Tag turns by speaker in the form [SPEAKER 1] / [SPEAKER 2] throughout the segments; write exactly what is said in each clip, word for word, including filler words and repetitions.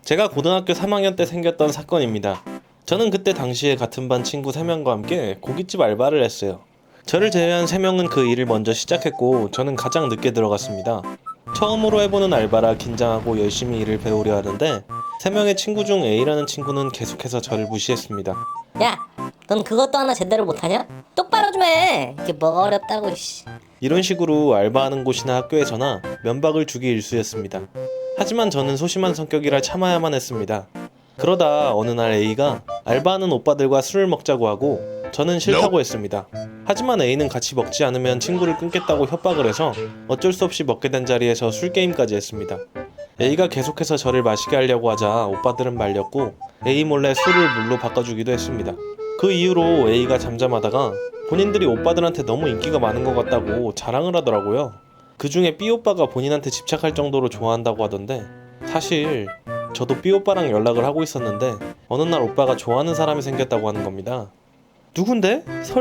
[SPEAKER 1] 제가 고등학교 삼 학년 때 생겼던 사건입니다. 저는 그때 당시에 같은 반 친구 세 명과 함께 고깃집 알바를 했어요. 저를 제외한 세 명은 그 일을 먼저 시작했고 저는 가장 늦게 들어갔습니다. 처음으로 해보는 알바라 긴장하고 열심히 일을 배우려 하는데 세 명의 친구 중 A라는 친구는 계속해서 저를 무시했습니다.
[SPEAKER 2] 야, 넌 그것도 하나 제대로 못하냐? 똑바로 좀 해. 이게 뭐가 어렵다고. 씨.
[SPEAKER 1] 이런 식으로 알바하는 곳이나 학교에서나 면박을 주기 일쑤였습니다. 하지만 저는 소심한 성격이라 참아야만 했습니다. 그러다 어느 날 A가 알바하는 오빠들과 술을 먹자고 하고 저는 싫다고 했습니다. 하지만 A는 같이 먹지 않으면 친구를 끊겠다고 협박을 해서 어쩔 수 없이 먹게 된 자리에서 술게임까지 했습니다. A가 계속해서 저를 마시게 하려고 하자 오빠들은 말렸고 A 몰래 술을 물로 바꿔주기도 했습니다. 그 이후로 A가 잠잠하다가 본인들이 오빠들한테 너무 인기가 많은 것 같다고 자랑을 하더라고요. 그 중에 B 오빠가 본인한테 집착할 정도로 좋아한다고 하던데 사실 저도 B 오빠랑 연락을 하고 있었는데 어느 날 오빠가 좋아하는 사람이 생겼다고 하는 겁니다. 누군데?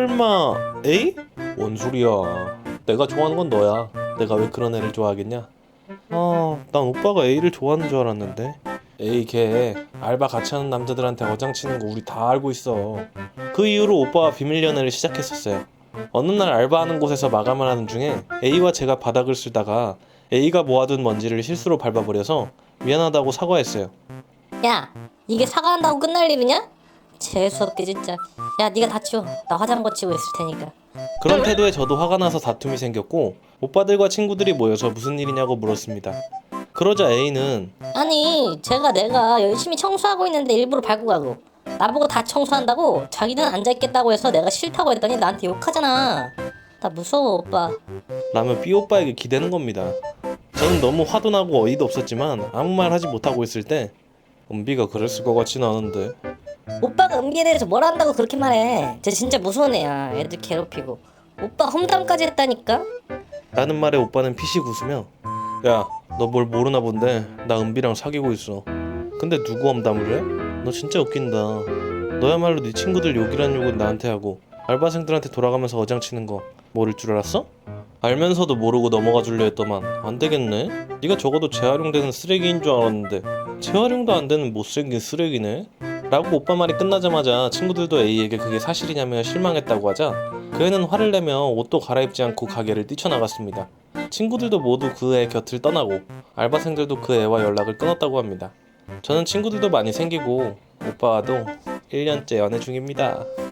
[SPEAKER 1] 설마 A? 뭔 소리야. 내가 좋아하는 건 너야. 내가 왜 그런 애를 좋아하겠냐? 아, 난 오빠가 A를 좋아하는 줄 알았는데. A 걔 알바 같이 하는 남자들한테 어장치는 거 우리 다 알고 있어. 그 이후로 오빠와 비밀 연애를 시작했었어요. 어느 날 알바하는 곳에서 마감을 하는 중에 A와 제가 바닥을 쓸다가 A가 모아둔 먼지를 실수로 밟아버려서 미안하다고 사과했어요.
[SPEAKER 2] 야, 이게 사과한다고 끝날 일이냐? 재수없게 진짜. 야, 네가 다 치워. 나 화장 거치고 있을 테니까.
[SPEAKER 1] 그런 태도에 저도 화가 나서 다툼이 생겼고 오빠들과 친구들이 모여서 무슨 일이냐고 물었습니다. 그러자 A는
[SPEAKER 2] 아니, 제가 내가 열심히 청소하고 있는데 일부러 밟고 가고 나보고 다 청소한다고 자기는 앉아있겠다고 해서 내가 싫다고 했더니 나한테 욕하잖아. 나 무서워, 오빠.
[SPEAKER 1] 라며 B 오빠에게 기대는 겁니다. 저는 너무 화도 나고 어이도 없었지만 아무 말 하지 못하고 있을 때 은비가 그랬을 것 같진 않은데.
[SPEAKER 2] 오빠가 은비에 대해서 뭘 안다고 그렇게 말해. 쟤 진짜 무서운 애야. 애들 괴롭히고 오빠 험담까지 했다니까.
[SPEAKER 1] 라는 말에 오빠는 피식 웃으며 야, 너 뭘 모르나 본데 나 은비랑 사귀고 있어. 근데 누구 험담을 해? 너 진짜 웃긴다. 너야말로 네 친구들 욕이란 욕은 나한테 하고 알바생들한테 돌아가면서 어장치는 거 모를 줄 알았어? 알면서도 모르고 넘어가 줄려 했더만 안 되겠네. 네가 적어도 재활용되는 쓰레기인 줄 알았는데 재활용도 안 되는 못생긴 쓰레기네. 라고 오빠 말이 끝나자마자 친구들도 A에게 그게 사실이냐며 실망했다고 하자 그 애는 화를 내며 옷도 갈아입지 않고 가게를 뛰쳐나갔습니다. 친구들도 모두 그 애 곁을 떠나고 알바생들도 그 애와 연락을 끊었다고 합니다. 저는 친구들도 많이 생기고 오빠와도 일 년째 연애 중입니다.